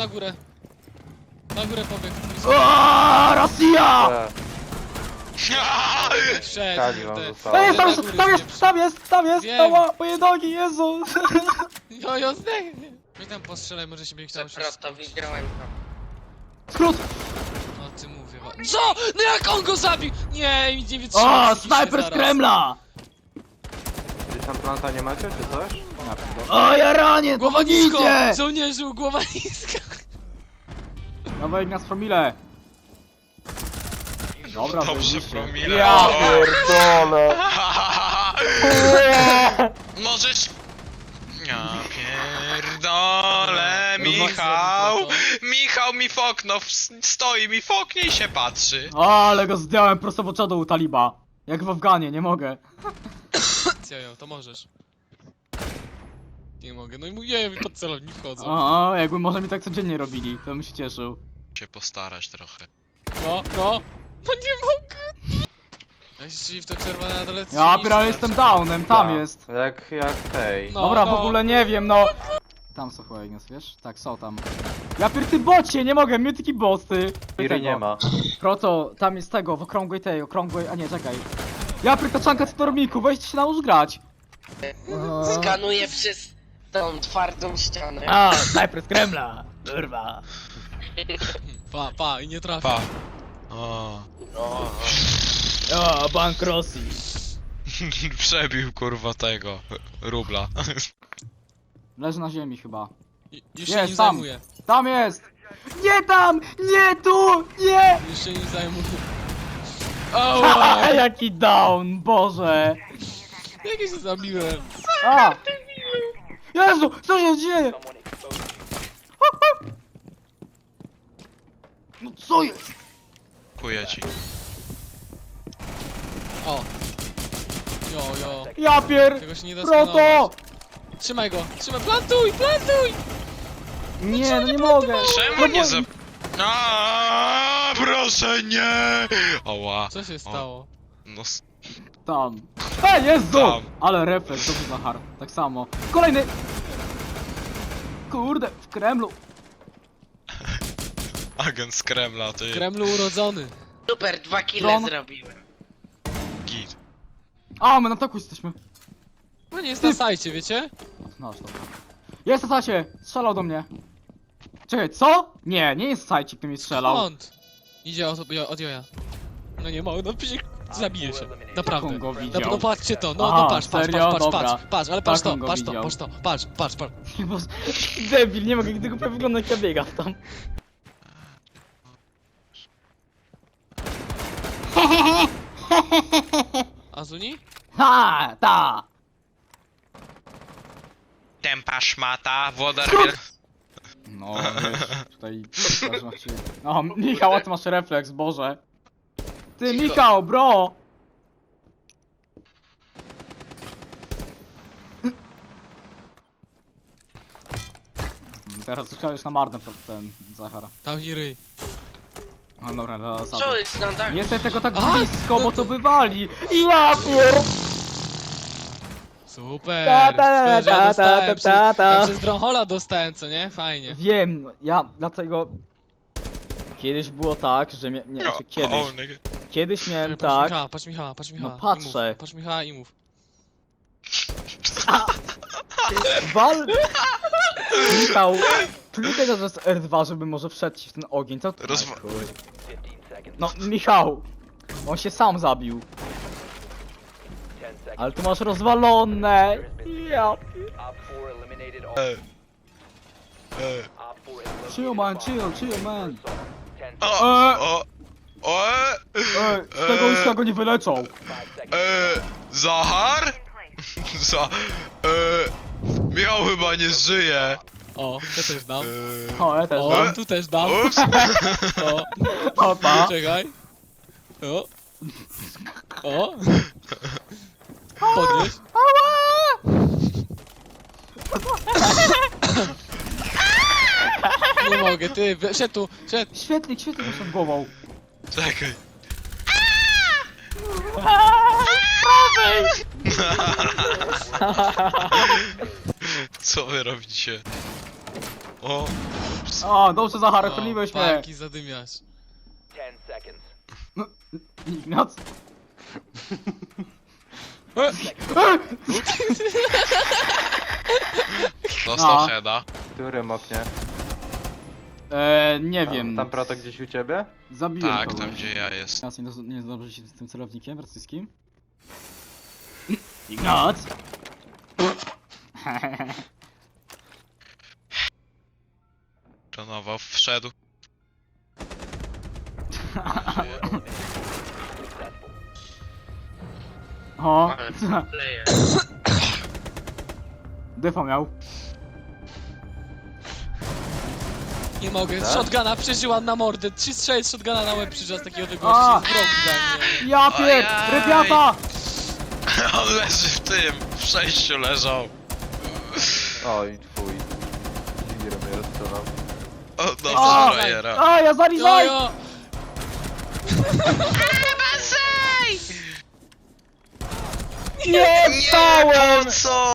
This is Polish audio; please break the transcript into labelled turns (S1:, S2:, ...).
S1: na górę. Na górę pobiegł.
S2: Aaaa, Rosja!
S3: Kali wam
S1: Wszedł.
S3: zostało.
S2: Ej, tam jest!
S1: Wiem.
S2: Ała, moje nogi, Jezu!
S1: Jo, zdechnie. Weź tam postrzelaj, może się będzie chciał się...
S4: Przepraszam, widziałem to.
S2: Skrót!
S1: O ty mówię. Co? No jak on go zabił? Nie, nic nie wytrzyma.
S2: O,
S1: psychicznie
S2: snajper z
S1: zaraz.
S2: Kremla!
S3: Gdzieś tam planta nie macie, czy coś?
S2: O, ja ranię,
S1: Głowa nisko!
S2: pomogijcie!
S1: Żołnierzu, głowa niska!
S2: Dawaj nas promile! Dobra,
S5: Dobrze,
S2: zajebiście.
S5: promile.
S2: Ja
S5: O.
S2: pierdolę!
S5: Możesz... Ja pierdolę, Michał! Michał mi w okno stoi, mi w oknie i się patrzy.
S2: O, ale go zdjąłem prosto w oczodo u taliba. Jak w Afganie, nie mogę.
S1: Jojo, to możesz. Nie mogę, no i mówię, mi pod celownik wchodzą.
S2: O, jakby może mi tak codziennie robili, to bym się cieszył.
S5: Się postarać trochę.
S1: No. No nie mogę! Ja się w to czerwone na dole
S2: Ja
S1: trzyma,
S2: pierdolę, jestem downem, tam
S3: Tak.
S2: jest.
S3: Jak tej.
S1: No,
S2: Dobra, w
S1: no.
S2: ogóle nie wiem, no. Tam są chyba Ignas, wiesz? Tak, są tam. Ja ty bocie, nie mogę, mnie taki boss, ty.
S3: Piry nie ma.
S2: Proto, tam jest tego, w okrągłej, a nie, czekaj. Ja taczanka stormiku, weźcie się naucz grać.
S4: Skanuję przez tą twardą ścianę.
S2: A, snajper z Kremla. Kurwa.
S1: Pa, i nie trafi.
S5: Pa. O.
S2: O, bank Rosji.
S5: Przebił kurwa tego rubla.
S2: Leży na ziemi chyba.
S1: Już się
S2: Jest,
S1: nim
S2: tam.
S1: zajmuję.
S2: Tam jest! Nie tam! Nie tu! Nie!
S1: Już się nim zajmuję. Ała!
S2: Jaki down, Boże!
S1: Jak ja się zabiłem?
S2: A! Jezu, co się dzieje? No co jest?
S5: Kuję ci.
S1: O! Jo.
S2: Ja pier...
S1: Tego się nie da
S2: Proto!
S1: skanować. Trzymaj go! Plantuj!
S2: Nie, no nie mogę.
S5: Czemu nie za... Proszę nie! Oła.
S1: Co się stało?
S5: No
S2: Tam. Jezu!
S5: Tam.
S2: Ale refleks, dobrze Zachar. Tak samo. Kolejny! Kurde, w Kremlu.
S5: agent z Kremla,
S1: W
S5: ty
S1: Kremlu urodzony.
S4: Super, 2 kile
S2: Dron.
S4: zrobiłem.
S5: git.
S2: A, my na toku jesteśmy.
S1: No nie jest na sajcie, wiecie?
S2: No, dobra. Jest na sacie! Strzelał do mnie. Czekaj, co? Nie jest sajcik, kto mi strzelał.
S1: Skąd? Idzie od joja. No nie mogę, no przecież zabije się. Naprawdę.
S2: on go widział?
S1: No patrzcie to,
S2: Aha,
S1: no patrz,
S2: serio? Dobra.
S1: patrz, ale patrz
S2: Tak
S1: to,
S2: on go
S1: patrz to,
S2: widział.
S1: patrz to, patrz.
S2: Boże, debil, nie mogę, gdy go wygląda jak ja biegam tam.
S1: Azuni?
S2: Ha, ta!
S5: Tempa szmata, włodar
S2: No, wiesz, tutaj też macie... O, Michał, a ty masz refleks, Boże. Ty, Michał, bro! Teraz słyszałeś na marne ten Zachar.
S1: Tam i ryj.
S2: No dobra, dla
S4: Co
S2: zasady.
S4: jest na dachu?
S2: Nie jestem tego tak
S1: A,
S2: blisko, bo to wywali! Ja pier...
S1: Super!
S2: Ta, ta,
S1: Szkoda, że ja
S2: ta,
S1: dostałem
S2: ta, ta.
S1: ja przez Dronhola dostałem, co nie? Fajnie.
S2: Wiem, ja dlatego... Kiedyś było tak, że znaczy kiedyś miałem tak...
S1: Patrz Michała.
S2: No
S1: i
S2: patrzę.
S1: mów. Patrz Michała i mów.
S2: Wal... Michał, klikaj to, że jest R2, żeby może wszedł ci w ten ogień, co ty?
S5: Rozwa-
S2: Aj, chuj. No, Michał! On się sam zabił. Ale ty masz rozwalone! Ja... Chill man, chill man! Z tego już go nie wyleczą!
S5: Zachar? Michał chyba nie żyje.
S1: O, ja też dam.
S2: O, ja też
S1: O,
S2: dam.
S1: tu też dam.
S5: Ups.
S1: O,
S2: Opa!
S1: czekaj. O. Podnieś. Nie mogę, ty, szedł tu, szedł.
S2: Świetlik masz nad głową.
S5: Czekaj. Co wy robicie? O,
S2: O, dobrze Zachary, chroniłeś mnie.
S1: Parki zadymiasz.
S2: Ignac.
S5: dostał
S2: No.
S5: heada.
S3: W którym oknie?
S2: Nie wiem.
S3: Tam proto gdzieś u ciebie?
S2: Zabiłem
S5: Tak,
S2: kogoś.
S5: tam gdzie ja jest.
S2: Ignac, nie zdąży się z tym celownikiem rosyjskim? Ignac!
S5: Planował, wszedł.
S2: O,
S4: Ale leje.
S2: defa miał.
S1: Nie mogę,
S3: Tak?
S1: shotguna przeżyłam na mordę. 3 strzały z shotguna na łeb przyszła z takiego
S2: A!
S1: odległości. Jest wrog dla mnie.
S2: Ja pier...
S5: Ojej.
S2: Rybiata!
S5: On leży w tym, w przejściu leżał.
S3: Oj, twój. Zimir mnie rozstrzelał.
S5: O,
S2: A!
S5: dobrze, frajera.
S2: A, ja zarizaj!
S1: Jojo!
S2: Nie,
S5: Nie,
S2: stałem!
S5: po co?